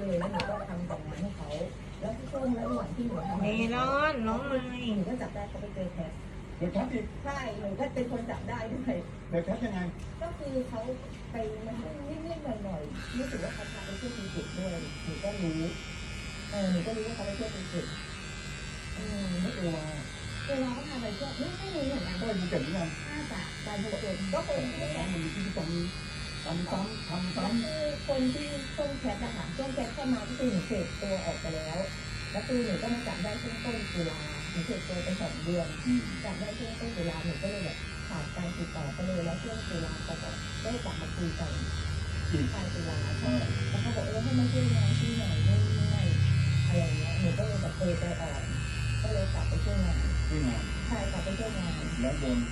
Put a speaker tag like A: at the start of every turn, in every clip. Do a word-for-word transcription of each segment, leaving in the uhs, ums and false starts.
A: เลยแล้วหนูก็ทำแต่งงานให้เขาแล้วช่วงระหว่างที่หนูทำ
B: เมลอนน้องไม้
A: หนูก็จับได้เขาไปเจอแคท
C: เดี๋ยวแคทอีก
A: ใช่หนูก็เป็นคนจับได้ด้วย
C: เดี๋ยวแคทยังไง
A: ก็คือเขาไปมันนิดๆหน่อยๆรู้สึกว่าเขาพาไปเที่ยวภูเก็ตด้วยหนูก็รู้เออหนูก็รู้ว่าเขาไปเที่ยวภูเก็ตอืม
C: ไม่เอวา
A: เวลาเขาพาไปเที่ยวไม่ไม่รู้เหมือนกัน
C: ก็ภูเก็ตเหมือนกัน
A: น่าจะไปภูเก็ตก็เป็นที่
C: มันมีที่ทำทำซ้ำทำซ้
A: คือคนที่ช่วงแคทอะค่ะช่วงแคทเข้ามาก็คือหนูเสพตัวออกไปแล้วแล้วคือหนูก็มาจับได้ช่วงต้นตุลาหนูเสพตัวไปสองเดือน
C: ำอืม
A: จับได้ช่วงต้นตุลาหนูก็เลยแบบขาดการติดต่อไปเลยแล้วช่วงตุลาเขาก็ได้กลับมาคุยกัน
C: อีก
A: ปลายตุลาใช่แล้วเขาบอกเออให้มาช่วยงานที่หน่อยนู่นนี่นั่นอะไรอย่างเงี้ยหนูก็เลยแบบเออใจอ่อนก็เลยกลับไปช่วยงาน
C: ที่งาน
A: ใช่กลับไปช่วยงาน
C: แล้วบน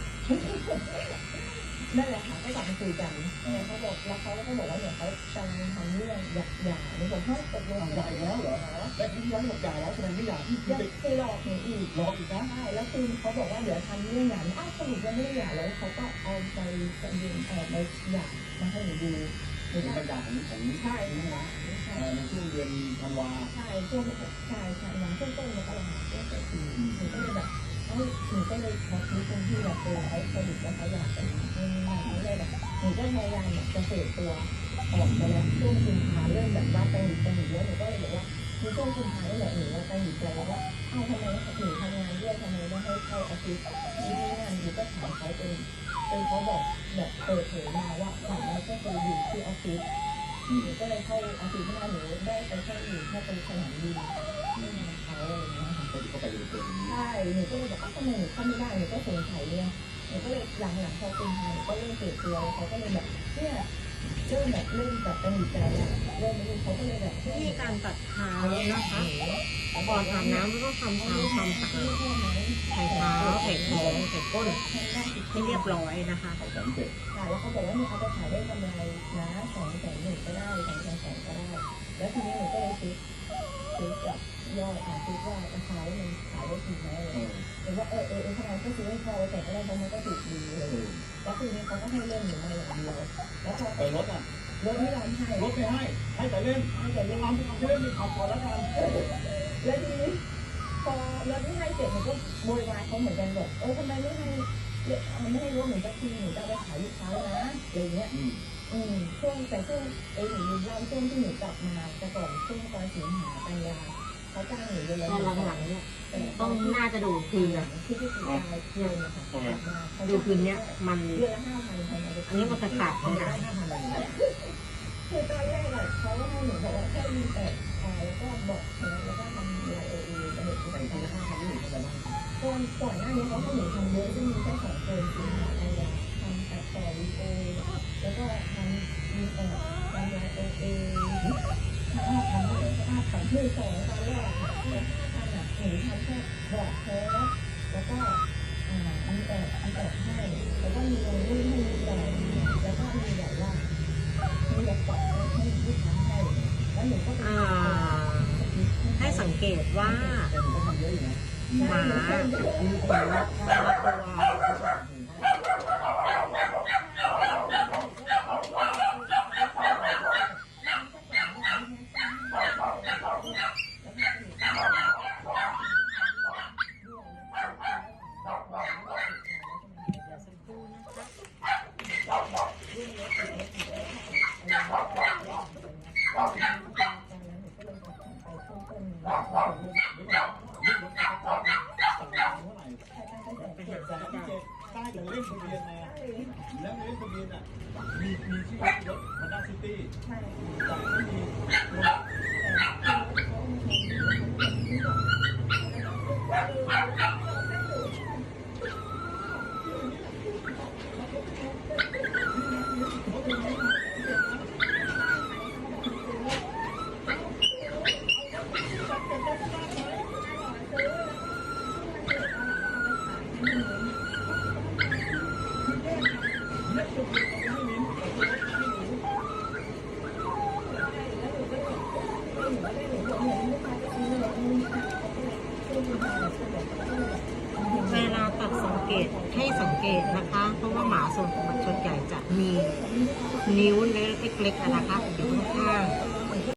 A: นั่นแหละค่ะก็กลับมาคุยกันแต่เขาบอกแล้วเขาก็บอกว่าเนี่ยเขากำลังทำเรื่องหย่าหย่าหนูบอกเฮ้ยตกลง
C: ใหญ่แล้วเหรอแล้วที่ย้อนหมดใหญ่แล้วแสดงไม่อยากที่
A: ยัง
C: ไป
A: เคยหลอกหนูอีก
C: รออีกนะ
A: ใช่แล้วคือเขาบอกว่าเดี๋ยวทำเรื่องหย่าอ้าวสรุปยังไม่ได้หย่าแล้วเขาก็เอาไปจำเรียนเออไปหย่ามาให้หนูดูหนู
C: เป็น
A: ก็
C: บรรยากาศของของ
A: ใช่
C: นี่นะ
A: ใช่
C: ในช่วงเดือนธันวา
A: ใช่ช่วงใช่ใช่หลังช่วงต้นมกราช่วงต้นปีหนูก็เลยแบบเอ้ยหนูก็เลยพอคิดตรงที่แบบเออเขาสรุปแล้วเขาอยากไปนี่นี่นั่นเลยแบบหนูก็พยายามแบบจะเสพตัวออกไปแล้วช่วงกุมภาเริ่มแบบว่าตังหนิตังหนิแล้วหนูก็เลยบอกว่าในช่วงกุมภาเนี่ยแหละหนูว่าตังหนิใจว่าเอ้าทำไมหนูทำงานด้วยทำไมไม่ให้เข้าออฟฟิศนี่นี่นั่นหนูก็ถามเขาจนจนเขาบอกแบบเปิดเผยมาว่าฝั่งนั้นก็เคยอยู่ที่ออฟฟิศหนูก็เลยเข้าออฟฟิศมาหนูได้ไปแค่อยู่แค่ตรงสนามบินไม่มาเขาอะไรอย่างเงี้ยค่ะ
C: ก็เข้าไปเลยเกิน
A: ใช่หนูก็เลยบอกว่าทำไมหนูเข้าไม่ได้หนูก็สงสัยเนี่ยหนูก็เลยหลังหลังพอเป็นทางหนูก็เริ่มเสียตัวเขาก็เลยแบบเนี่ยเริ่มแบบเริ่มแบบตันหนิใจแล้วเริ่มไม่รู้เขาก็เลยแบบ
B: วิธีการตัดเท้านะคะก่อนอาบน้ำก็ทำความความสะอาดไถ่เท้าไถ่ท้องไถ่ก้นให้เรียบร้อยนะคะ
C: เขาแสนเจ็ด
A: ค่ะแล้วเขาบอกว่าเนี่ยเอาไปขายได้กำไรนะสองแสนหนึ่งก็ได้สองแสนสองก็ได้ แล้วทีนี้หนูก็เลยซื้อซื้อกับยอดอ่ะซื้อว่าราคาว่ามันขายได้จริงไหมอะไร
C: เออ
A: หรือว่าเออเออเออทำไมก็ซื้อให้พอแต่ก็ได้เพราะมันก็ถูกดีเลย
C: เออ
A: แล้วทีนี้เขาก็ให้เล่นหนูมาอย่างเดียวแล้วพอ
C: ไปรถอ่ะ
A: รถไม่ยอมให้
C: รถไม่ให้ ให้แต่เล่น
A: ให้แต่เล่น
C: ทำทำเล่นมีขับก่อนแล้วกัน
A: แล้วทีนี้พอรถไม่ให้เสร็จหนูก็โวยวายเขาเหมือนกันบอกเออทำไมไม่ให้ไม่ให้รถหนูสักทีหนูจะเอาไปขายลูกค้านะอะไรเงี้ย
C: อืม
A: อืมช่วงแต่ช่วงเออหนูลืมเล่าช่วงที่หนูกลับมาแต่ก่อนช่วงตอนสิงหากันยาเขาจ้างหนูเดือนละ
B: ตอนหลังๆเนี่ย
A: แต่
B: ต้องน่าจะดูคืนอะ
A: ที่ที่สี่กายเดือนนะคะกลับมาเขา
B: ดูคืนเนี้ยมัน
A: เดือนละห้าพันพัน
B: อันนี้มันจะขาด
C: เขา
B: ไม่
C: จะ
B: ได้
C: ได้ห้าพันอะไรเนี่ย
A: คือตอนแรกอะเขาก็ให้หนูบอกว่าแค่มีแอดอ่าแล้วก็บอกแล้วก็ทำไลน์เอเอระบบ
C: ใส่ทีละห้าพันนี่หนูทำอะไรบ้าง
A: ก่อนก่อนหน้านี้เขาให้หนูทำเยอะซึ่งมีแค่สองคนคือทำอะไรทำตัดต่อวีดีโอแล้วก็ทำมีแอดทำไลน์เอเอ
C: ห้าพันเลย
A: ห้าพันคือสองตอนแรกเนี่ยห้าพันอ่ะหนูทำแค่บอกโพสแล้วก็อ่ามีแอดมีแอดให้แล้วก็มีลงรูปให้มีแอดแล้วก็มีแบบว่ามีแบบปรับให้ลูกค้าให้แล้วหนูก็ไป
B: อ่าให้สังเกตว่า
C: แต่หนูก็ทำเยอะอยู่นะ
B: หมามีขนละตัวไปหา
C: แต่
B: ก็
C: พี่
B: ได้
C: เจใต้แต่เล่นทะเบียนมาแล้วในเล่นทะเบียนอ่ะ มีมีชื่อรถฮอนด้าซิตี้
A: ใช่
C: แต่ไม่มีรถ
B: เวลาตัดสังเกตให้สังเกตนะคะ เพราะว่าหมาส่วนส่วนใหญ่จะมีนิ้วเล็กๆอะนะคะอยู่ข้างๆ